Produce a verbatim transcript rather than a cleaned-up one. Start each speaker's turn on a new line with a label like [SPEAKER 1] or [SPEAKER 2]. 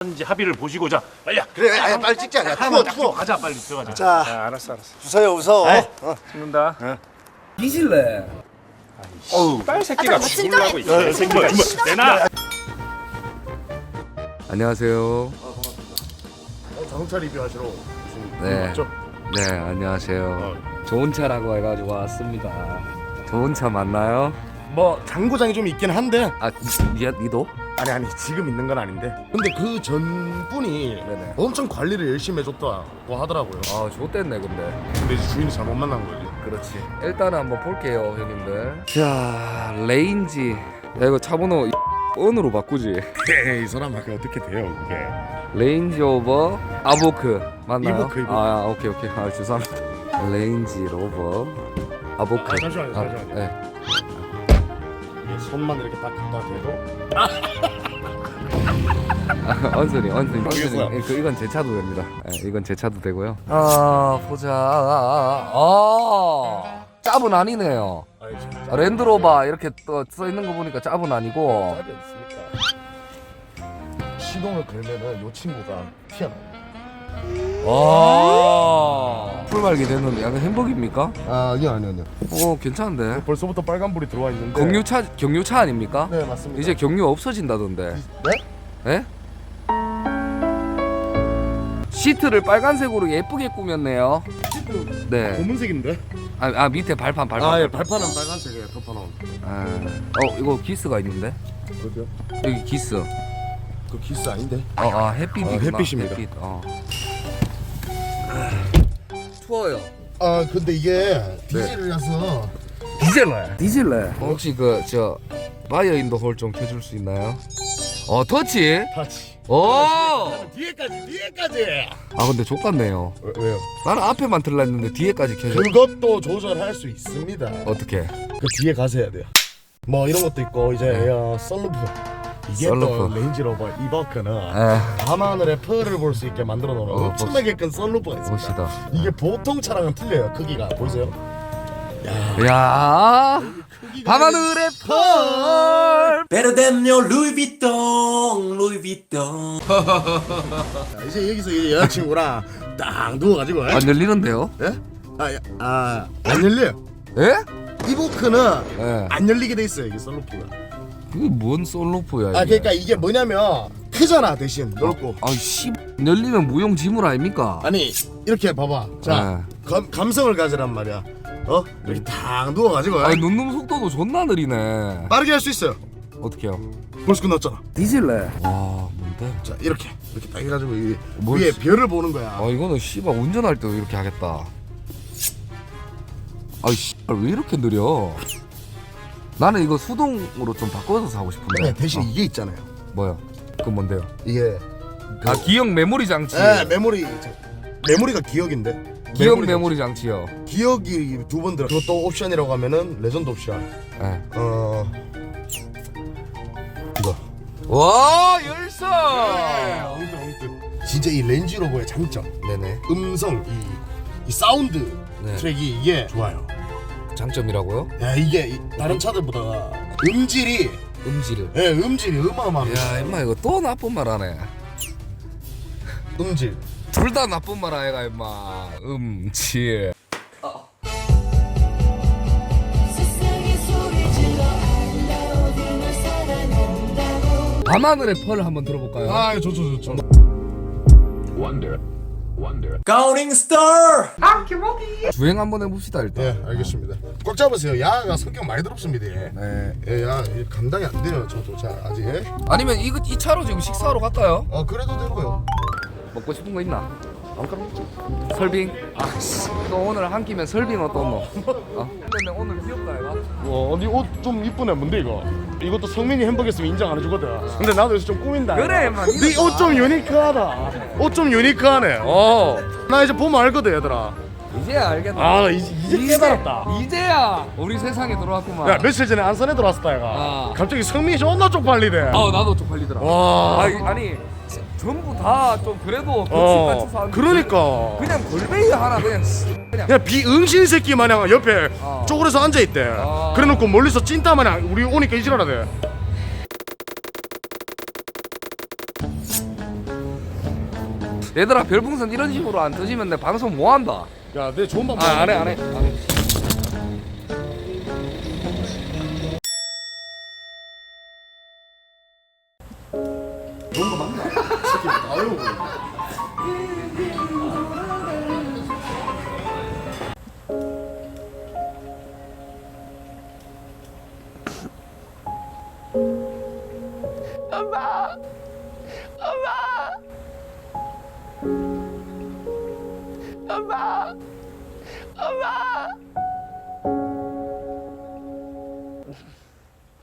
[SPEAKER 1] 하는지 합의를 보시고자 빨리.
[SPEAKER 2] 그래, 아야 빨리 찍자. 야, 투어, 투어.
[SPEAKER 1] 가자 빨리 들어가자.
[SPEAKER 2] 자,
[SPEAKER 1] 아, 알았어 알았어.
[SPEAKER 2] 웃어요, 웃어. 어.
[SPEAKER 1] 찍는다.
[SPEAKER 3] 뒤질래.
[SPEAKER 1] 어우, 딸 새끼가 죽으려고 있어.
[SPEAKER 2] 야,
[SPEAKER 1] 새끼가 내놔.
[SPEAKER 4] 안녕하세요.
[SPEAKER 2] 자동차 리뷰하시러 오신
[SPEAKER 4] 네.
[SPEAKER 2] 맞죠?
[SPEAKER 4] 네, 안녕하세요. 좋은 차라고 해가지고 왔습니다. 좋은 차 맞나요?
[SPEAKER 2] 뭐 장고장이 좀 있긴 한데
[SPEAKER 4] 아, 니, 니도?
[SPEAKER 2] 아니 아니 지금 있는 건 아닌데 근데 그 전분이
[SPEAKER 4] 네네.
[SPEAKER 2] 엄청 관리를 열심히 해줬다고 하더라고요.
[SPEAKER 4] 아, 좋댔네 근데.
[SPEAKER 2] 근데 이제 주인이 잘못 만난 거지.
[SPEAKER 4] 그렇지. 일단은 한번 볼게요, 형님들. 자, 레인지. 야, 이거 차 번호 언으로 바꾸지.
[SPEAKER 2] 에이, 이 사람 아까 어떻게 돼요 그게?
[SPEAKER 4] 레인지 오버 아보크 맞나요?
[SPEAKER 2] 이보크, 이보크.
[SPEAKER 4] 아, 아, 오케이 오케이. 아, 죄송합니다. 레인지 로버 아보크.
[SPEAKER 2] 아, 잠시만요, 잠시만요.
[SPEAKER 4] 네.
[SPEAKER 2] 이게 손만 이렇게 딱 갖다 대도
[SPEAKER 4] 아, 언소리, 언소리,
[SPEAKER 2] 모르겠어요.
[SPEAKER 4] 언소리. 그 이건 제 차도 됩니다. 예, 이건 제 차도 되고요. 아, 보자. 아, 아, 짭은 아니네요.
[SPEAKER 2] 아니 진짜
[SPEAKER 4] 아, 랜드로버 이렇게 또 써 있는 거 보니까 짭은 아니고.
[SPEAKER 2] 짭이 없습니까? 시동을 걸면은 요 친구가 튀어나와요.
[SPEAKER 4] 아, 풀말기 됐는데 약간 행복입니까?
[SPEAKER 2] 아, 아니요 아니요 아니요.
[SPEAKER 4] 어, 괜찮은데.
[SPEAKER 2] 벌써부터 빨간불이 들어와 있는데.
[SPEAKER 4] 경유차, 경유차 아닙니까?
[SPEAKER 2] 네 맞습니다.
[SPEAKER 4] 이제 경유 없어진다던데.
[SPEAKER 2] 네?
[SPEAKER 4] 예? 시트를 빨간색으로 예쁘게 꾸몄네요.
[SPEAKER 2] 시트
[SPEAKER 4] 네.
[SPEAKER 2] 검은색인데?
[SPEAKER 4] 아, 아 밑에 발판 발판.
[SPEAKER 2] 아, 예, 발판은 빨간색이에요. 덮어놓은.
[SPEAKER 4] 아, 어 이거 기스가 있는데
[SPEAKER 2] 어디요?
[SPEAKER 4] 여기 기스.
[SPEAKER 2] 그 기스 아닌데?
[SPEAKER 4] 어, 아 햇빛이구나.
[SPEAKER 2] 아, 햇빛입니다.
[SPEAKER 4] 햇빛. 어. 추워요.
[SPEAKER 2] 아, 근데 이게 디젤이라서
[SPEAKER 4] 디젤레. 디젤레. 혹시 그 저 바이어 인도 홀 좀 켜줄 수 있나요? 어 터치.
[SPEAKER 2] 타치.
[SPEAKER 4] 오.
[SPEAKER 2] 뒤에까지, 뒤에까지.
[SPEAKER 4] 아 근데 족같네요.
[SPEAKER 2] 왜, 왜요?
[SPEAKER 4] 나는 앞에만 틀라 했는데 뒤에까지 켜줘.
[SPEAKER 2] 그것도 조절할 수 있습니다.
[SPEAKER 4] 어떻게?
[SPEAKER 2] 그 뒤에 가서 해야 돼요. 뭐 이런 것도 있고 이제 에어 썬루프. 이게
[SPEAKER 4] 썬루프.
[SPEAKER 2] 또 레인지로버 이버크는
[SPEAKER 4] 에.
[SPEAKER 2] 밤하늘의 펄을 볼 수 있게 만들어 놓은
[SPEAKER 4] 어,
[SPEAKER 2] 엄청나게 큰 썬루프가 있습니다.
[SPEAKER 4] 멋있다.
[SPEAKER 2] 이게 보통 차랑은 틀려요. 크기가 보이세요? 야,
[SPEAKER 4] 야.
[SPEAKER 2] 크기가
[SPEAKER 4] 밤하늘의 펄.
[SPEAKER 3] Better than your Louis Vuitton, Louis Vuitton.
[SPEAKER 2] 자, 이제 여기서 이 여자친구랑 딱 누워가지고
[SPEAKER 4] 안 열리는데요?
[SPEAKER 2] 예? 아, 야, 아, 안 열려요.
[SPEAKER 4] 예?
[SPEAKER 2] 이보크는
[SPEAKER 4] 예.
[SPEAKER 2] 안 열리게 돼 있어요. 이게 썬루프가.
[SPEAKER 4] 그게 뭔 솔로프야 이게.
[SPEAKER 2] 아, 그러니까 이게 뭐냐면 크잖아 대신 넓고.
[SPEAKER 4] 아씨 열리면 무용지물 아닙니까?
[SPEAKER 2] 아니 이렇게 봐봐. 자, 감, 감성을 가지란 말이야. 어? 이렇게 딱 누워가지고
[SPEAKER 4] 아니 눈눈 속도도 존나 느리네.
[SPEAKER 2] 빠르게 할 수 있어요.
[SPEAKER 4] 어떻게요?
[SPEAKER 2] 벌써 끝났잖아.
[SPEAKER 4] 디질래. 와 뭔데?
[SPEAKER 2] 자, 이렇게 이렇게 딱 해가지고 이
[SPEAKER 4] 뭘
[SPEAKER 2] 위에
[SPEAKER 4] 씨-
[SPEAKER 2] 별을 보는 거야.
[SPEAKER 4] 아 이거는 씨발 운전할 때도 이렇게 하겠다. 아이 씨발 왜 이렇게 느려? 나는 이거 수동으로 좀 바꿔서 사고 싶은데.
[SPEAKER 2] 네, 대신
[SPEAKER 4] 어,
[SPEAKER 2] 이게 있잖아요.
[SPEAKER 4] 뭐야? 그 뭔데요?
[SPEAKER 2] 이게
[SPEAKER 4] 아 기억 메모리 장치.
[SPEAKER 2] 에 메모리 저- 메모리가 기억인데.
[SPEAKER 4] 기억
[SPEAKER 2] 메모리
[SPEAKER 4] 메모리 장치요.
[SPEAKER 2] 기억이 두 번 들어. 그것도 옵션이라고 하면은 레전드 옵션.
[SPEAKER 4] 예.
[SPEAKER 2] 어 이거.
[SPEAKER 4] 와 열쇠.
[SPEAKER 2] 엉뚱 엉뚱. 진짜 이 렌즈로버의 장점.
[SPEAKER 4] 네네.
[SPEAKER 2] 음성 이, 이 사운드
[SPEAKER 4] 네.
[SPEAKER 2] 트랙이 이게 좋아요.
[SPEAKER 4] 장점이라고요?
[SPEAKER 2] 야 이게 이- 다른 차들보다 음질이
[SPEAKER 4] 음질.
[SPEAKER 2] 예 음질이 어마어마합니다.
[SPEAKER 4] 야 임마 이거 또 나쁜 말 하네.
[SPEAKER 2] 음질.
[SPEAKER 4] 둘 다 나쁜 말 아이가 임마. 음질.
[SPEAKER 5] 세상에 소리 질러 아름다워도 널 사랑한다고
[SPEAKER 4] 밤하늘의 펄 한번 들어볼까요?
[SPEAKER 2] 아 좋죠 좋죠.
[SPEAKER 3] Counting Star.
[SPEAKER 4] 주행 한번 해봅시다 일단.
[SPEAKER 2] 예 알겠습니다. 꽉 잡으세요. 야가 성격 많이 더럽습니다. 예.
[SPEAKER 4] 네.
[SPEAKER 2] 예, 야 이게 감당이 안 돼요. 저도 자 아직. 예?
[SPEAKER 4] 아니면 이거 이 차로 지금 식사하러 갈까요?
[SPEAKER 2] 어 그래도 되고요.
[SPEAKER 4] 먹고 싶은 거 있나? 설빙. 아씨. 너 오늘 한 끼면 설빙 어떤 거? 어? 근데 오늘 귀엽다 얘가.
[SPEAKER 2] 와 언니 옷 좀 이쁘네. 뭔데 이거? 이것도 성민이 햄버거였으면 인정 안 해주거든. 근데 나도 요새 좀 꾸민다.
[SPEAKER 4] 그래, 인마, 니도
[SPEAKER 2] 네 옷 좀 유니크하다. 옷 좀 유니크하네. 어. 나 이제 보면 알거든 얘들아.
[SPEAKER 4] 이제야 알겠다.
[SPEAKER 2] 아 이제 이제 깨달았다.
[SPEAKER 4] 이제야 우리 세상에 들어왔구만.
[SPEAKER 2] 야 며칠 전에 안산에 들어왔었다 얘가.
[SPEAKER 4] 아.
[SPEAKER 2] 갑자기 성민이 존나 쪽팔리대.
[SPEAKER 4] 어 나도 쪽팔리더라.
[SPEAKER 2] 와.
[SPEAKER 4] 아니, 아니 전부 다 좀 그래도
[SPEAKER 2] 어.
[SPEAKER 4] 같이 사는.
[SPEAKER 2] 그러니까.
[SPEAKER 4] 그냥 골뱅이 하나 그냥 씨, 그냥.
[SPEAKER 2] 그냥 비응신 새끼 마냥 옆에
[SPEAKER 4] 어.
[SPEAKER 2] 쪼그려서 앉아 있대.
[SPEAKER 4] 어.
[SPEAKER 2] 그래놓고 멀리서 찐따 마냥 우리 오니까 이지랄하대.
[SPEAKER 4] 얘들아 별풍선 이런 식으로 안 터지면 내 방송 뭐 한다.
[SPEAKER 2] 야, 내 좋은 방법.
[SPEAKER 4] 아, 안 해, 안 해. 안 해.
[SPEAKER 2] 좋은 거 맞나? 새끼 아유.
[SPEAKER 5] 엄마